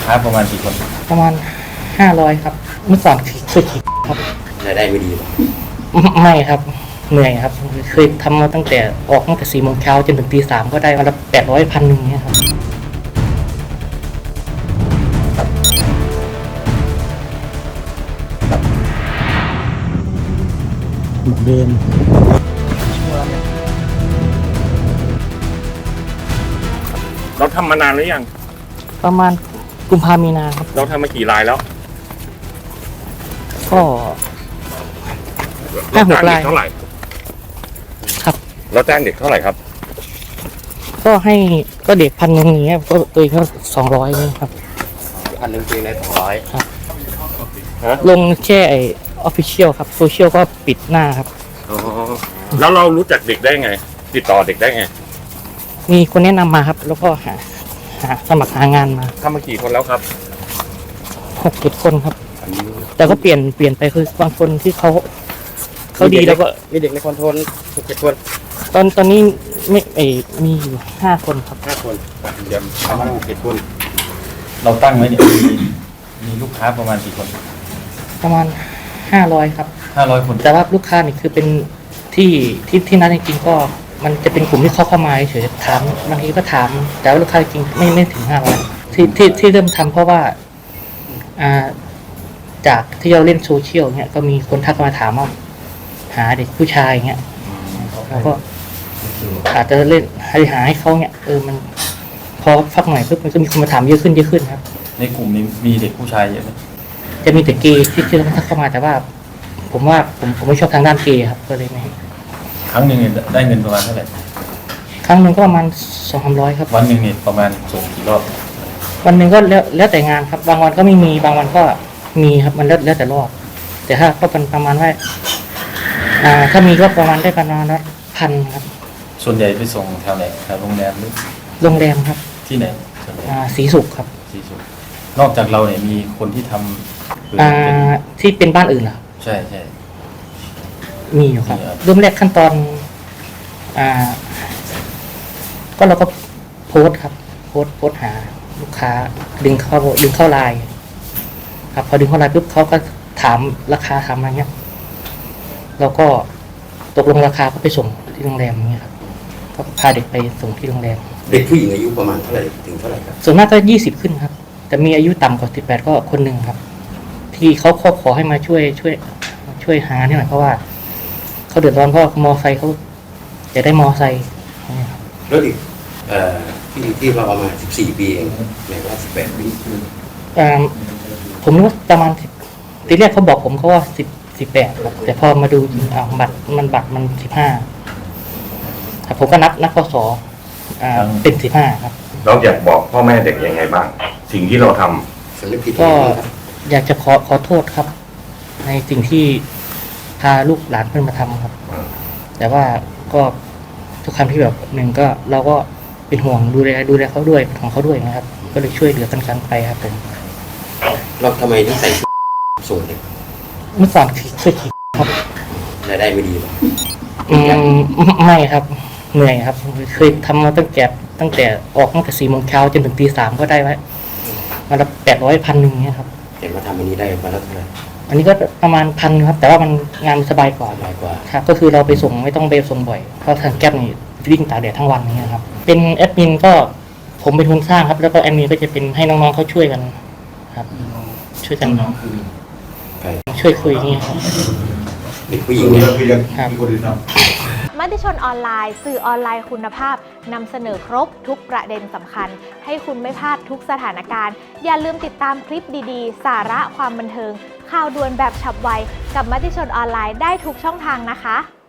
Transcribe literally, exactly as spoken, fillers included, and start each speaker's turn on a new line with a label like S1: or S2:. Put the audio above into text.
S1: ค้าประมาณกี่คน
S2: ประมาณห้าร้อยครับเมื่อก่อนเคยขี่ครับ
S3: รายได้ไม่ดีหรอ
S2: ไม่ครับเหนื่อยครับเคยทำมาตั้งแต่ออกตั้งแต่สี่โมงเช้าจนถึงตีสามก็ได้วันละแปดร้อยพันหนึ่งเนี่ยครับ
S4: เหมือนเดิม
S5: เราทำมานานหรือยัง
S2: ประมาณกุมภามีนาครับ
S5: เราทำมากี่รายแล้ว
S2: ก็ห้าหกราย
S5: เท่าไหร่
S2: ครับ
S5: เราจ้างเด็กเท่าไหร่ครับ
S2: ก็ให้ก็เด็กพันหนึ่งอย่างเงี้ยก็ตัวก็สองร้อยนี่ครับ
S3: พันหนึ่งปีเลยสองร้อย
S2: ครับลงแค่ไอออฟฟิเชียลครับโซเชียลก็ปิดหน้าครับ
S5: อ๋อแล้วเรารู้จักเด็กได้ไงติดต่อเด็กได้ไง
S2: มีคนแนะนำมาครับแล้วก็หาหาสมัครหางานมา
S5: ทำมากี่คนแล้วครับ
S2: หกเจ็ดคนครับแต่ก็เปลี่ยนเปลี่ยนไปคือบางคนที่เขาเขาดีแล้วก็
S3: มีเด็กในคอนโทรลหกเจ็ดคน
S2: ตอนตอนนี้ไม่เอมีอยู่ห้าคนครับ
S3: ห้าคนเดี๋ยวประมาณหกเจ็ดคน
S1: เราตั้งไว้เนี่ยมีมีลูกค้าประมาณกี่คน
S2: ประมาณห้าร้อยครับ
S1: ห้าร้อยคน
S2: แต่ว่าลูกค้านี่คือเป็นที่ที่ที่นั้นจริงๆก็มันจะเป็นกลุ่มที่เขาเข้ามาเฉยๆถามบางทีก็ถามแต่ว่าลูกค้าจริงไม่ไม่ถึงห้าร้อยที่ที่ที่เริ่มทำเพราะว่าอ่าจากที่เราเล่นโซเชียลเนี่ยก็มีคนทักมาถามว่าหาเด็กผู้ชายเงี้ยแล้วก็อาจจะเล่นหาหาให้เขาเนี่ยเออมันพอฟักหน่อยปุ๊บมันก็มีคนมาถามเยอะขึ้นเยอะขึ้นครับ
S1: ในกลุ่มนี้มีเด็กผู้ชายเยอะไหม
S2: จะมีแต่เกย์ที่ที่ทักเข้ามาแต่ว่าผมว่าผมผมไม่ชอบทางด้านเกย์ครับก็เลยไม่
S1: ครั้งหนึ่งเนี่ยได้เงินประมาณเท่าไหร่
S2: ครั้งหนึ่งก็ประมาณสองสามร้อยครับ
S1: วันหนึ่งเนี่ยประมาณส่งกี่รอบ
S2: วันหนึ่งก็แล้วแล้วแต่งานครับบางวันก็ไม่มีบางวันก็มีครับมันแล้วแล้วแต่รอบแต่ถ้าก็เป็นประมาณว่าอ่าถ้ามีก็ประมาณได้ประมาณละพันครับ
S1: ส่วนใหญ่ไปส่งแถวไหนแถวโรงแรมหรือ
S2: โรงแรมครับ
S1: ที่ไหน
S2: อ่าศรีสุขครับ
S1: ศรีสุขนอกจากเราเนี่ยมีคนที่ทำ
S2: อ่าที่เป็นบ้านอื่นเหรอ
S1: ใช่ใช่
S2: มีอยู่ครับเริ่มแรกขั้นตอนอ่าก็เราก็โพสครับโพสโพสหาลูกค้าดึงเข้าดึงเข้าไลน์ครับพอดึงเข้าไลน์ปุ๊บเขาก็ถามราคาถามอะไรเงี้ยเราก็ตกลงราคาก็ไปส่งที่โรงแรมนี้ครับก็พาเด็กไปส่งที่โรงแรม
S3: เด็กผู้หญิงอายุประมาณเท่าไหร่ถึงเท่าไหร่ครับ
S2: ส่วนมากก็ยี่สิบขึ้นครับแต่มีอายุต่ำกว่าสิบแปดก็คนหนึ่งครับที่เขาขอขอให้มาช่วยช่วยช่วยหาเนี่ยหน่อยเพราะว่าเขาเดือดร้อนเพราะมอไซค์เขาจะได้มอไซค์
S3: แล้วอีกเอ่อที่ที่เราเอามาสิบสี่ปีเองหมายว่าสิบแปดปี
S2: อ่าผมนึกว่าประมาณสิบทีแรกเขาบอกผมเขาว่าสิบสิบแปดครับแต่พอมาดูจริงอ่าบัตรมันบัตรมันสิบห้าครับผมก็นับนับข้อสออ่าเป็นสิบห้าครับ
S5: เราอยากบอกพ่อแม่เด็กยังไงบ้างสิ่งที่เราท
S3: ำ
S2: ก็อยากจะขอขอโทษครับในสิ่งที่พาลูกหลานเพื่อนมาทำครับแต่ว่าก็ทุกครั้งที่แบบหนึ่งก็เราก็เป็นห่วงดูแลดูแลเขาด้วยของเขาด้วยนะครับก็เลยช่วยเหลือกันกันไปครับผม
S3: เราทำไมถึงใส่ส่งเด็ก
S2: เมื่อก่อนเคยขี่ครับ
S3: รายได้ไม่ดีหรอ
S2: อืมไม่ครับเหนื่อยครับเคยทำมาตั้งแต่ตั้งแต่ออกตั้งแต่สี่โมงเช้าจนถึงตีสามก็ได้ไว้วันละแปดร้อยพันหนึ่งเนี่ยครับ
S3: เห็นว่าทำอันนี้ได้มาแล้วเท่าไหร่
S2: อันนี้ก็ประมาณพันครับแต่ว่ามันงานสบายกว่า
S3: สบายกว่า
S2: ครับก็คือเราไปส่งไม่ต้องไปส่งบ่อยเพราะทางแก๊ปนี่วิ่งตากแดดทั้งวันอย่างเงี้ยครับเป็นแอดมินก็ผมเป็นคนสร้างครับแล้วก็แอดมินก็จะเป็นให้น้องๆเขาช่วยกันครับช่วยกันน้องคือช่วยคุยนี่ครับ
S3: เด็กผู้หญิงเนี่ย
S2: ครับ
S6: มติชนออนไลน์สื่อออนไลน์คุณภาพนำเสนอครบทุกประเด็นสำคัญให้คุณไม่พลาดทุกสถานการณ์อย่าลืมติดตามคลิปดีๆสาระความบันเทิงข่าวด่วนแบบฉับไวกับมติชนออนไลน์ได้ทุกช่องทางนะคะ